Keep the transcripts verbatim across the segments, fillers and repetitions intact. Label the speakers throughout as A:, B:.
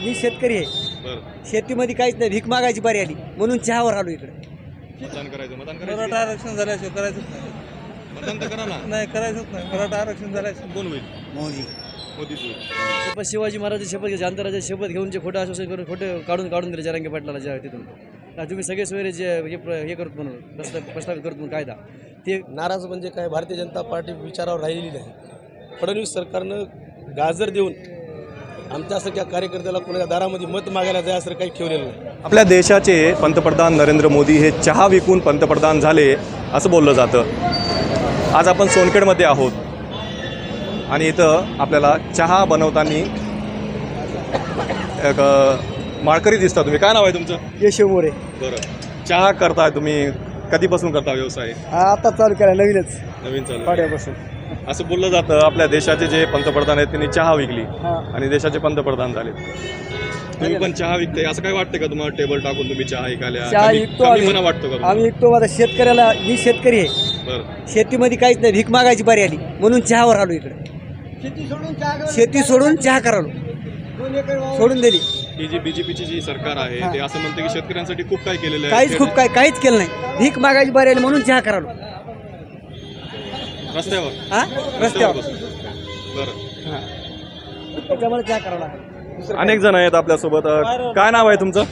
A: मी शेतकरी आहे.
B: बरं
A: शेतीमध्ये काहीच नाही, भीक मागायची बारी आली म्हणून चहावर आलो इकडे.
B: मतदान करायचं मतदान करायचं
C: मराठा आरक्षण झाल्याशिवाय करायचंच नाही.
B: मतदान तर करा ना.
C: नाही करायचंच नाही. मराठा आरक्षण झाल्याशिवाय
B: कोण होईल?
A: मोदी
B: मोदीच होईल.
D: शपथ शिवाजी महाराजांची शपथ घ्यायची, आंतरराज्याची शपथ घेऊन जे खोटं आश्वासन करून खोटे काढून काढून दिले जरांगे पाटलाला ज्या तिथून का तुम्ही सगळे सोयरे जे हे प्र- हे करत म्हणून प्रस्ताव प्रस्तावित करत म्हणून कायदा ते
E: नाराज म्हणजे काय, भारतीय जनता पार्टी विचारावर राहिलेली नाही. फडणवीस सरकारनं गाजर देऊन आमच्यासारख्या कार्यकर्त्याला कोणाच्या दारामध्ये मत मागायला जायचं काही ठेवलेलं नाही.
B: आपल्या देशाचे पंतप्रधान नरेंद्र मोदी हे चहा विकून पंतप्रधान झाले असं बोललं जातं. आज आपण सोनखेडमध्ये आहोत आणि इथं आपल्याला चहा बनवताना एक अ, माळकरी दिसता. तुम्ही काय नाव आहे तुमचं?
A: यशो मोरे.
B: बरं, चहा करताय तुम्ही, कधीपासून करता व्यवसाय?
A: आता चालू केला नवीनच
B: नवीन चालू आहे.
A: पाड्यापासून.
B: असं बोललं जातं आपल्या देशाचे जे पंतप्रधान आहेत त्यांनी चहा विकली
A: हां.
B: आणि देशाचे पंतप्रधान झाले. तुम्ही पण चहा विकताय असं काय वाटतं का तुम्हाला? टेबल टाकून तुम्ही चहा विकायला
A: चहा
B: कमी-
A: विकतो
B: कमी
A: आम्ही.
B: मना वाटतो का तुम्हाला?
A: आम्ही विकतो. आता शेतकऱ्याला, मी शेतकरी आहे.
B: बरं
A: शेतीमध्ये काहीच नाही, भीक मागायची बारी आली म्हणून चहावर आलो इकडे. शेती सोडून चहा करालो, सोडून दिली.
B: ही जी बीजेपीची जी सरकार आहे
A: हां.
B: ते असं म्हणते की शेतकऱ्यांसाठी खूप काय केलेलं आहे.
A: काहीच खूप काय काहीच केलं नाही, भीक मागायची बारी आली म्हणून चहा करालो
B: रस्त्यावर
A: हा रस्त्यावर.
B: बसून. बरं,
A: हां, त्याच्यामुळे चहा करावा लागला.
B: अनेक जण आहेत आपल्यासोबत. अ, काय नाव आहे तुमचं?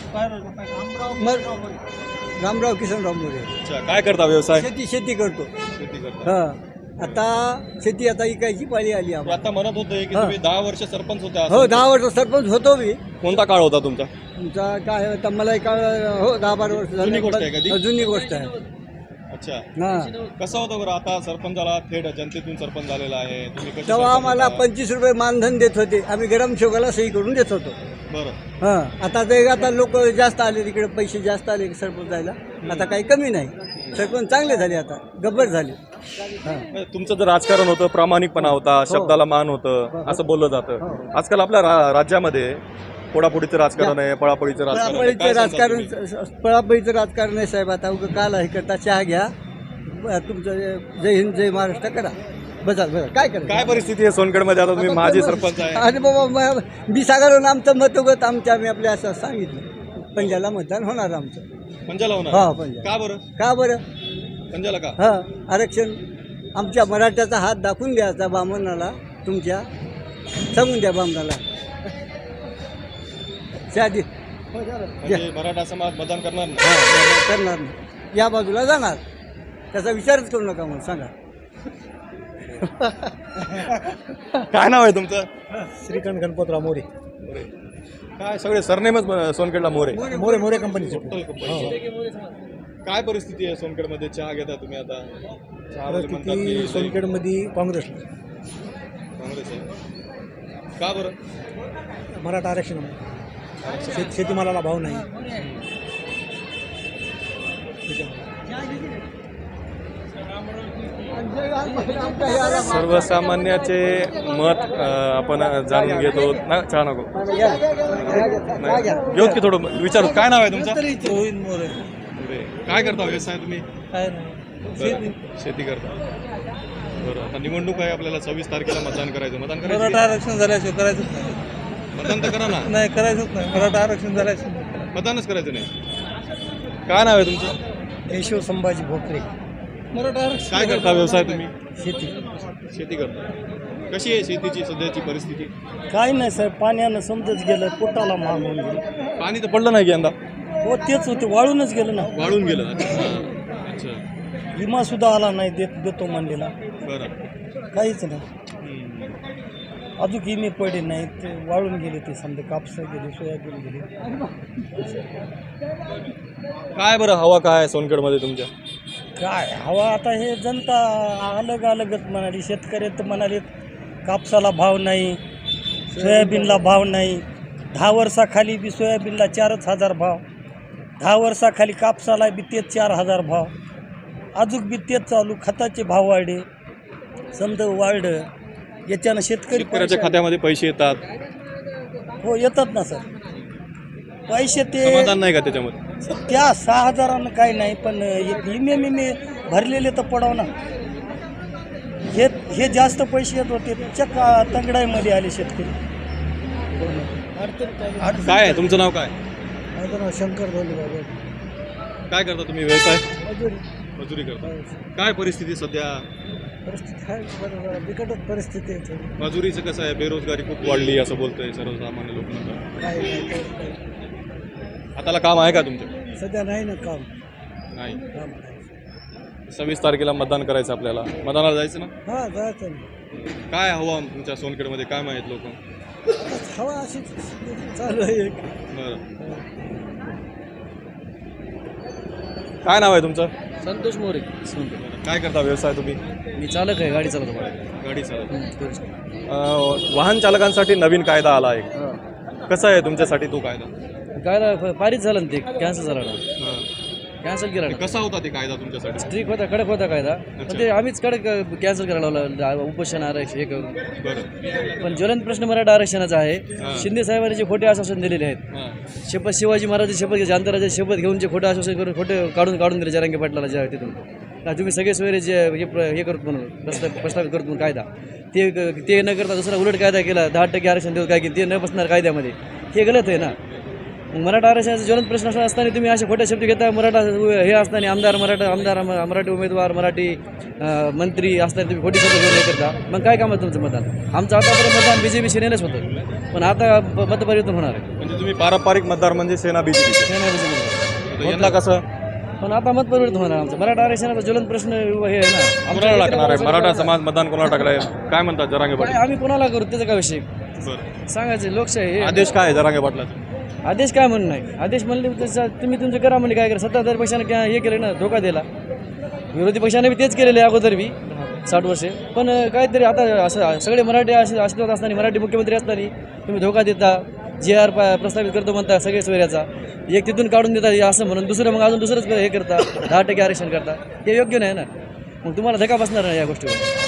A: मग रामराव किसनराव मोरे.
B: अच्छा, काय करता व्यवसाय?
A: शेती शेती करतो.
B: शेती करता.
A: हा, आता शेती आता इकायची पाळी आली आम्हाला.
B: आता म्हणत होते की
A: हां.
B: तुम्ही दहा वर्ष सरपंच होता.
A: हो, दहा वर्ष सरपंच होतो मी.
B: कोणता काळ होता तुमचा?
A: तुमचा काय होता मला एका हो दहा बारा वर्ष झाली.
B: जुनी गोष्ट आहे का ती?
A: हो, जुनी गोष्ट आहे.
B: अच्छा,
A: हा,
B: कसं होतं बरं? आता सरपंचाला थेट जनतेतून सरपंच झालेला आहे. तुम्ही कशी
A: तेव्हा
B: सरपंच
A: आम्हाला
B: होता?
A: पंचवीस रुपये मानधन देत होते. आम्ही गरम शोगाला सही करून देत होतो.
B: बरं,
A: हा, आता ते आता लोक जास्त आले, तिकडे पैसे जास्त आले सरपंच जायला. आता काही कमी नाही, सरपंच चांगले झाले, आता गब्बर झाले. हा.
B: तुमचं जर राजकारण होतं, प्रामाणिकपणा होता, शब्दाला मान होतं असं बोललं जातं.
A: हो.
B: आजकाल आपल्या रा- राज्यामध्ये पोडापोडीचं राजकारण आहे, पळापळीचं राजकारण आहे.
A: पळापळीचं
B: काय सांगता
A: राजकारण,
B: तुम्ही?
A: पळापळीचं राजकारण आहे साहेब. आता उगं काल हे करता, चहा घ्या, ब- तुमचं जय हिंद जय महाराष्ट्र करा, बसा बसा. काय करा,
B: काय परिस्थिती आहे सोनखेडमध्ये? आता तुम्ही माजी सरपंच आहे.
A: अरे बाबा, म- मी सागरवरून आमचं मतोगत आमच्या आम्ही आपल्या असं सांगितलं, पंजाला मतदान होणार आमचं.
B: पंजाला होणार?
A: हा, पंजा.
B: का बरं?
A: का बरं?
B: पंजाला का?
A: हा, आरक्षण आमच्या मराठ्याचा हात दाखवून द्यायचा बामणाला, तुमच्या सांगून द्या बामणाला. शादी
B: म्हणजे मराठा समाज मतदान करणार नाही?
A: हा, करणार नाही, या बाजूला जाणार, त्याचा विचारच करू नका म्हणून सांगा.
B: काय नाव आहे तुमचं?
E: श्रीकांत गणपतराव मोरे.
B: काय सगळे सरनेमच सोनखेडला मोरे.
E: मोरे मोरे कंपनीचे.
B: काय परिस्थिती आहे सोनखेडमध्ये? चहा घेता तुम्ही आता? चहावाले म्हणतात की
E: परिस्थिती
B: लई
E: सोनखेडमध्ये काँग्रेसला,
B: काँग्रेस आहे. का बरं?
E: मराठा आरक्षण, शेत शेतीमालाला भाव नाही.
B: सर्वसामान्याचे मत अ, आपण जाणून घेतो. ना चहा नको घेऊ की थोडं विचारू. काय नाव आहे तुमचं?
C: गोविंद मोरे.
B: मोरे. काय करता व्यवसाय तुम्ही?
C: काय नाही.
B: बरं, शेती करता. बरं, आता निवडणूक आहे आपल्याला. सव्वीस तारखेला मतदान करायचं. मतदान
C: मराठा
B: करायचं?
C: आरक्षण झाल्याशिवाय करायचंच नाही.
B: मतदान तर करा ना.
C: नाही करायचंच नाही. मराठा आरक्षण झाल्याशिवाय
B: मतदानच करायचं नाही. काय नाव आहे तुमचं?
E: यशो संभाजी भोकरे.
C: मराठा आरक्षण
B: काय करता व्यवसाय तुम्ही?
E: शेती
B: शेती करता. कशी आहे शेतीची सध्याची परिस्थिती?
E: काय नाही साहेब, पाण्यानं समजत गेलं, पोटाला महाग होऊन गेलं.
B: पाणी तर पडलं नाही की यंदा?
E: हो, तेच होते, वाळूनच गेलं ना.
B: वाळून गेलं. अच्छा, अच्छा.
E: विमा सुद्धा आला नाही, देत देतो म्हणलेला,
B: बरं.
E: काहीच नाही.
B: हम्म.
E: अजून विमे पडे नाही, ते वाळून गेले. ते समजा कापसं गेले, सोयाबीन गेले.
B: काय बरं हवा काय आहे सोनखेडमध्ये तुमच्या?
E: काय हवा आता, हे जनता अलग अलगच म्हणाली. शेतकरी तर म्हणाले कापसाला भाव नाही, सोयाबीनला भाव नाही. दहा वर्षाखाली बी सोयाबीनला चारच हजार भाव, दहा वर्षाखाली कापसाला बी तेच चार हजार भाव, अजून बी तेच चालू. खताचे भाव वाढे, समजा वाढलं, याच्यानं शेतकरी
B: शेतकऱ्याच्या खात्यामध्ये पैसे येतात.
E: हो, येतात ना सर पैसे. ते
B: समाधान नाही का त्याच्यामध्ये?
E: त्या सहा हजारानं काही नाही, पण विमे विमे भरलेले तर पडाव ना. हे हे जास्त पैसे येत होते, चक्क तंगडाईमध्ये आले शेतकरी.
B: काय आहे तुमचं नाव काय?
A: माझं नाव शंकर धोंडे.
B: काय करता तुम्ही व्यवसाय?
A: मजुरी
B: मजुरी करता. काय परिस्थिती सध्या?
A: परिस्थिती आहे बरोबर, बिकटच परिस्थिती आहे थोडी.
B: मजुरीचं कसं आहे? बेरोजगारी खूप वाढली असं बोलतोय सर्वसामान्य लोक म्हणतात.
A: काय नाही काही नाही.
B: हाताला काम आहे का तुमच्या?
A: सध्या नाही ना काम
B: नाही.
A: काम नाही.
B: सव्वीस तारखेला मतदान करायचं आपल्याला. मतदानाला जायचं ना?
A: हा जायचं ना.
B: काय हवा तुमच्या सोनखेडमध्ये काय माहीत लोक?
A: आता हवा अशीच चालू आहे.
B: बरं. काय नाव आहे तुमचं?
D: संतोष मोरे.
B: काय करता व्यवसाय तुम्ही?
D: मी चालक आहे, गाडी चालवतो मला.
B: गाडी चालक. अं, वाहन चालकांसाठी नवीन कायदा आला आहे. कसा आहे तुमच्यासाठी तो कायदा?
D: काय पारित झालं ना ते, कॅन्सल झाला ना, कॅन्सल केला ना.
B: कसा होता ते कायदा तुमच्यासाठी?
D: स्ट्रिक होता, कडक होता कायदा, पण ते आम्हीच कडक कॅन्सल करायला लावलं, उपोषण आरक्षण हे करून.
B: बरं.
D: पण ज्वलंत प्रश्न मराठा आरक्षणाचा आहे.
B: हां.
D: शिंदे साहेबांनी जे खोटे आश्वासन दिलेले आहेत,
B: हां.
D: शपथ शिवाजी महाराज शपथ घ्यायचे, आंतरराज्याची शपथ घेऊन जे खोटं आश्वासन करून खोटे काढून काढून दिले जरांगे पाटलाला ज्या तिथून, का तुम्ही सगळे सोयरे जे हे प्र हे करतो म्हणून प्रस्ताव प्रस्तावित करतो म्हणून कायदा, ते ते न करता दुसरा उलट कायदा केला, दहा टक्के आरक्षण देऊ काय की ते न बसणार कायद्यामध्ये, हे गलत आहे ना. मग मराठा आरक्षणाचा ज्वलंत प्रश्न असताना तुम्ही असे खोटे शब्द घेता, मराठा हे असताना आमदार मराठा आमदार मराठी उमेदवार मराठी अं, मंत्री असताना तुम्ही खोटी शब्द घेऊन हे करता, मग काय काम आहे तुमचं मतदान? आमचं आतापर्यंत मतदान बी जे पी सेनेलाच होतं, पण आता ब- मतपरिवर्तन होणार आहे.
B: म्हणजे तुम्ही पारंपरिक मतदार म्हणजे सेना बीजेपी.
D: सेना बी जे पी
B: यंदा कसं?
D: पण आता मतपरिवर्तन होणार आमचं. मराठा आरक्षणाचा ज्वलंत प्रश्न हे आहे ना.
B: कोणाला टाकणार आहे? मराठा समाज मतदान कोणाला टाकलाय? काय म्हणतात जरांगे
D: काय
B: पाटील?
D: आम्ही कोणाला करू त्याचा काय विषय
B: बरं.
D: सांगायचं, लोकशाही हे.
B: आदेश काय आहे जरांगे पाटलाचा?
D: आदेश काय म्हणून नाही, आदेश म्हणले तसं तुम्ही तुमचं करा म्हणजे काय करा. सत्ताधारी पक्षाने काय हे केलं ना, धोका दिला. विरोधी पक्षाने बी तेच केलेले अगोदर बी साठ वर्षे, पण काहीतरी आता असं सगळे मराठी असे अस्तित्वात असताना, मराठी मुख्यमंत्री असताना तुम्ही धोका देता, जे आर प्रस्तावित करतो म्हणता सगळे सोयऱ्याचा, एक तिथून काढून देता असं म्हणून दुसरं मग अजून दुसरंच हे करता, दहा टक्के आरक्षण करता, हे योग्य नाही ना. मग तुम्हाला धक्का बसणार नाही या गोष्टीवर.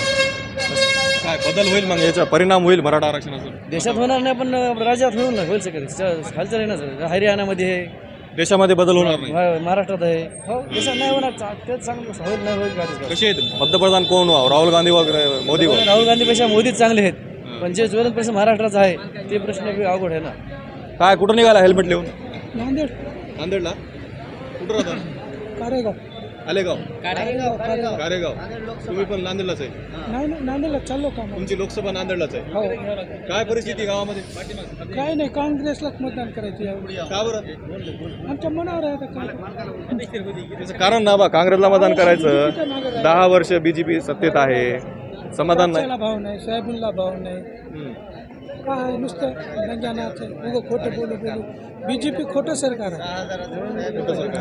B: काय बदल होईल मग? याचा परिणाम होईल मराठा आरक्षणाचा?
D: देशात होणार नाही पण राज्यात होईल ना, होईल सगळं हालचाल आहे ना सर. हरियाणामध्ये आहे,
B: देशामध्ये बदल होणार नाही.
D: महा- महाराष्ट्रात आहे. हो देशात नाही होणार, चा- तेच चांगलं होईल नाही होईल काय ते.
B: कसे आहेत पंतप्रधान? कोण व्हावं? राहुल गांधी वगैरे मोदी वगैरे?
D: राहुल गांधीपेक्षा मोदीच चांगले आहेत, पण जे ज्वलंत प्रश्न महाराष्ट्राचा आहे ते प्रश्न बी अवघड आहे ना.
B: काय कुठं निघाला हेल्मेट लिहून?
A: नांदेड
B: नांदेडला? कुठं राहता?
A: कारेगाव.
B: आलेगाव?
A: कारेगाव कारेगाव
B: कारेगाव. तुम्ही पण नांदेडलाच आहे?
A: नाही नाही नांदेडला चाललो का मग?
B: तुमची लोकसभा नांदेडलाच आहे?
A: हो.
B: काय परिस्थिती गावामध्ये?
A: काय नाही, काँग्रेसलाच मतदान करायचं यावेळी.
B: का बरं?
A: आमच्या मनावर आहे आता काय.
B: त्याचं कारण ना बा, काँग्रेसला मतदान करायचं. दहा वर्ष बीजेपी सत्तेत आहे, समाधान नाही.
A: कापसाला भाव नाही, सोयाबीनला भाव नाही,
B: हम्म.
A: काय नुसतं रंगानाचं उगं खोटं बोलू बोलू. बीजेपी खोटं सरकार आहे.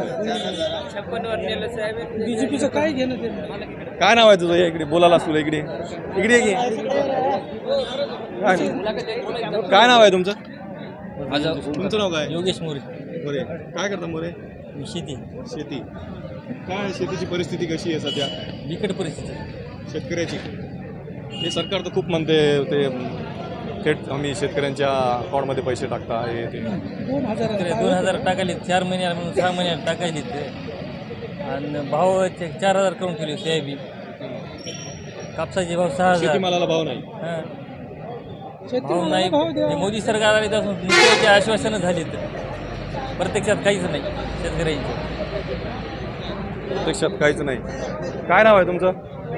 A: बीजेपीचं काय घेणं ते नाही.
B: काय नाव आहे तुझं? ये इकडे बोलायला तुला इकडे इकडे ये की. काय काय नाव आहे तुमचं? तुमचं नाव काय?
E: योगेश मोरे.
B: मोरे. काय करता मोरे?
E: शेती
B: शेती. काय शेतीची परिस्थिती कशी आहे सध्या?
E: बिकट परिस्थिती.
B: शेतकऱ्याची. हे सरकार तर खूप म्हणते ते थेट आम्ही शेतकऱ्यांच्या अकाउंटमध्ये पैसे टाकता हे ते.
A: दोन हजार
E: दोन हजार टाकायले, चार महिन्याला म्हणून सहा महिन्याला टाकायले ते, आणि भाव ते चार हजार करून ठेवले. सोयाबीन कापसाचे भाव सहा हजार.
B: शेतीमालाला भाव नाही.
E: हां,
A: शेती
E: भाव नाही.
A: भाव द्या.
E: हे मोदी सरकार आले त्यापासून नुसते आश्वासनं झाली, तर प्रत्यक्षात काहीच नाही शेतकऱ्यांचं.
B: प्रत्यक्षात काहीच नाही. काय नाव आहे तुमचं?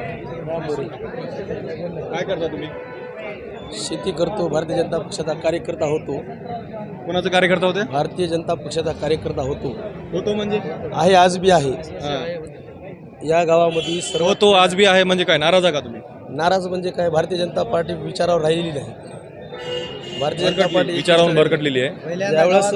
B: काय करता तुम्ही?
F: शेती करतो. भारतीय जनता पक्षाचा कार्यकर्ता होतो.
B: कोणाचं कार्यकर्ता होते?
F: भारतीय जनता पक्षाचा कार्यकर्ता होतो.
B: होतो म्हणजे?
F: आहे, आज बी आहे.
B: हा.
F: या गावामध्ये सर्व
B: होतो आज बी आहे म्हणजे काय? नाराज आहे का तुम्ही?
F: नाराज म्हणजे काय, भारतीय जनता पार्टी विचारावर राहिलेली नाही. भारतीय जनता पार्टी
B: विचारावरून भरकटलेली आहे.
F: ज्यावेळेस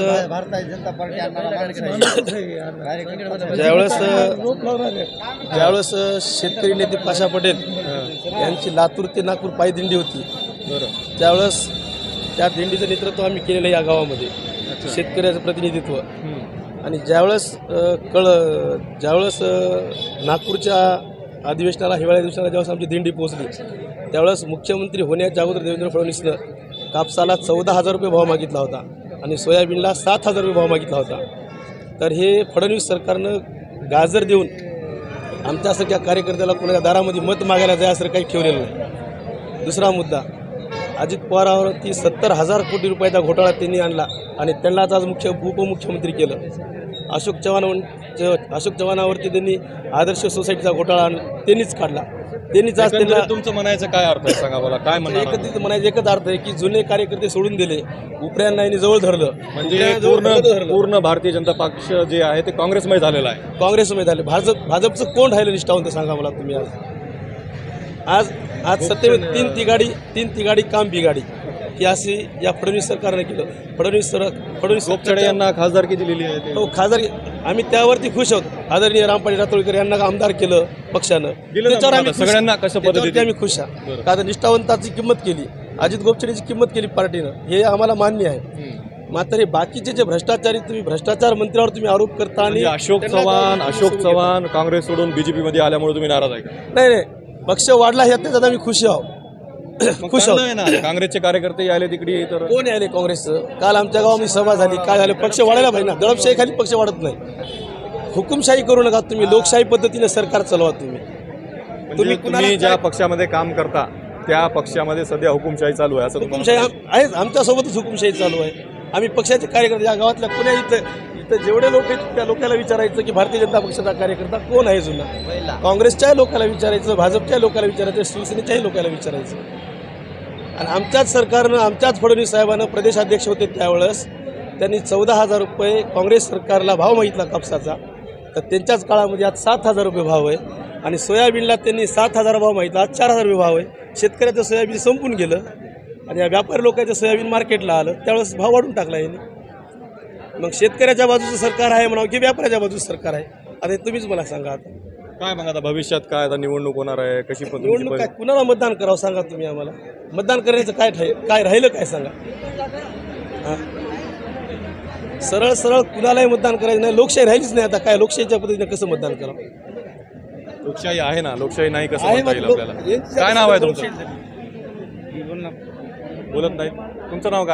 F: ज्यावेळेस ज्यावेळेस शेतकरी नेते पाशा पटेल यांची लातूर ते नागपूर पायदिंडी होती,
B: बरं.
F: त्यावेळेस त्या दिंडीचं नेतृत्व आम्ही केलेलं आहे या गावामध्ये, शेतकऱ्याचं प्रतिनिधित्व. आणि ज्यावेळेस अ, कळ ज्यावेळेस अ, नागपूरच्या अधिवेशनाला, हिवाळ्या दिवसाला ज्यावेळेस आमची दिंडी पोहोचली, त्यावेळेस मुख्यमंत्री होण्याच्या अगोदर देवेंद्र फडणवीसनं कापसाला चौदा हजार रुपये भाव मागितला होता आणि सोयाबीनला सात हजार रुपये भाव मागितला होता. तर हे फडणवीस सरकारनं गाजर देऊन आमच्यासारख्या कार्यकर्त्याला कोणाच्या दारामध्ये मत मागायला जायचं काही ठेवलेलं नाही. दुसरा मुद्दा, अजित पवारावरती सत्तर हजार कोटी रुपयाचा घोटाळा त्यांनी आणला आणि त्यांनाच आज मुख्य उपमुख्यमंत्री केलं. अशोक चव्हाण अशोक चव्हाणावरती त्यांनी आदर्श सोसायटीचा घोटाळा आण- त्यांनीच काढला. त्यांनीच आज त्यांना
B: एकंदरीत तुमचं म्हणायचं काय अर्थ आहे सांगा मला, काय म्हणणार आहात?
F: एकत्रित म्हणायचं एकच अर्थ आहे की जुने कार्यकर्ते सोडून दिले, उपऱ्यांना यांनी जवळ धरलं.
B: म्हणजे
F: उपऱ्यांना जवळ
B: पूर्ण
F: धरलं.
B: पूर्ण भारतीय जनता पक्ष जे आहे ते काँग्रेसमय झालेला आहे.
F: काँग्रेसमध्ये झाले. भाजप भाजपचं कोण राहिलं निष्ठावंत सांगा मला तुम्ही. आज आज आज सत्तेमध्ये तीन तिगाडी तीन तिगाडी काम बिगाडी ही अशी या फडणवीस सरकारने केलं. फडणवीस सर फडणवीस
B: गोपछडे यांना खासदारकी दिलेली आहे ते.
F: हो खासदार आम्ही त्यावरती खुश आहोत. आदरणीय रामपाडी रातोळीकर यांना आमदार केलं पक्षानं.
B: दिलं ना
F: त्याच्यावर
B: मग
F: आम्ही
B: आता
F: खुश-
B: सगळ्यांना कसं
F: त्याच्यावरती
B: पद्धतीने?
F: आम्ही खुश आहोत. का तर निष्ठावंताची किंमत केली, अजित गोपछडेची किंमत केली पार्टीनं, हे आम्हाला मान्य आहे. मात्र हे बाकीचे जे भ्रष्टाचारी तुम्ही भ्रष्टाचार मंत्र्यावर तुम्ही आरोप करता आणि
B: म्हणजे अशोक
F: त्यांना
B: चव्हाण
F: गावात
B: अशोक
F: सोडून
B: चव्हाण काँग्रेस सोडून बीजेपी मध्ये आल्यामुळे तुम्ही नाराज आहे का?
F: घेता. नाही नाही पक्ष वाढला ह्यात त्याच्यात आम्ही खुश आहोत.
B: मग
F: खुश
B: चांगलं
F: आहोत.
B: आहे ना, काँग्रेसचे कार्यकर्ते आले तिकडे तर
F: कोण आले काँग्रेसचं? काल आमच्या गावामध्ये सभा झाली. काय झालं? पक्ष वाढायला पाहिजे ना. दडपशाही खाली पक्ष वाढत नाही. हुकुमशाही करू नका तुम्ही. लोकशाही पद्धतीने सरकार चालवा तुम्ही.
B: म्हणजे
F: तुम्ही
B: तुम्ही
F: कुणाला
B: ज्या
F: काय-
B: पक्षामध्ये काम करता त्या पक्षामध्ये सध्या हुकुमशाही चालू आहे असं तुम्हाला
F: हुकुमशाही आम- आहेच. आमच्यासोबतच हुकुमशाही चालू आहे. आम्ही पक्षाचे कार्यकर्ते या गावातल्या पुण्या इथं इथं जेवढे लोक आहेत त्या लोकांना विचारायचं की भारतीय जनता पक्षाचा कार्यकर्ता कोण आहे जुना. काँग्रेसच्या लोकांना विचारायचं, भाजपच्या लोकांना विचारायचं, शिवसेनेच्याही लोकांना विचारायचं. आणि आमच्याच सरकारनं आमच्याच फडणवीस साहेबांना प्रदेशाध्यक्ष होते त्यावेळेस त्यांनी चौदा हजार रुपये काँग्रेस सरकारला भाव मागितला कापसाचा. तर त्यांच्याच काळामध्ये आज सात हजार रुपये भाव आहे. आणि सोयाबीनला त्यांनी सात हजार भाव मागितला, आज चार हजार रुपये भाव आहे. शेतकऱ्याचं सोयाबीन संपून गेलं आणि या व्यापारी लोकांचं सोयाबीन मार्केटला आलं त्यावेळेस भाव वाढून टाकला यांनी. मग शेतकऱ्याच्या बाजूचं सरकार आहे म्हणावं की व्यापाऱ्याच्या बाजूचं सरकार आहे? आता हे तुम्हीच मला सांगा. आता
B: काय मग आता भविष्यात काय आता निवडणूक होणार आहे कशी पण
F: निवडणूक काय कुणाला मतदान करावं सांगा तुम्ही आम्हाला. मतदान करण्याचं काय ठेव काय राहिलं काय सांगा. हां सरळ सरळ कुणालाही मतदान करायचं नाही. लोकशाही राहिलीच नाही. आता काय लोकशाहीच्या पद्धतीने कसं मतदान करावं?
B: लोकशाही आहे ना, लोकशाही नाही कसं
F: आहे
B: म्हणता
F: मग
B: येईल
F: लोक-
B: आपल्याला?
F: यांची
B: काय नाव आहे
F: लोकशाही
B: तुमचं? बोलत नाही. तुमचं नाव काय?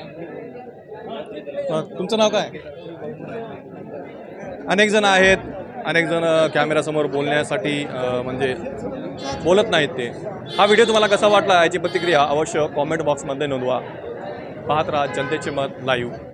B: हा, तुमचं नाव काय? अनेक जण आहेत, अनेक जण कॅमेरासमोर बोलण्यासाठी अ, म्हणजे बोलत नाहीत ते. हा व्हिडिओ तुम्हाला कसा वाटला याची प्रतिक्रिया अवश्य कॉमेंट बॉक्समध्ये नोंदवा. पाहत राहा जनतेचे मत लाईव्ह.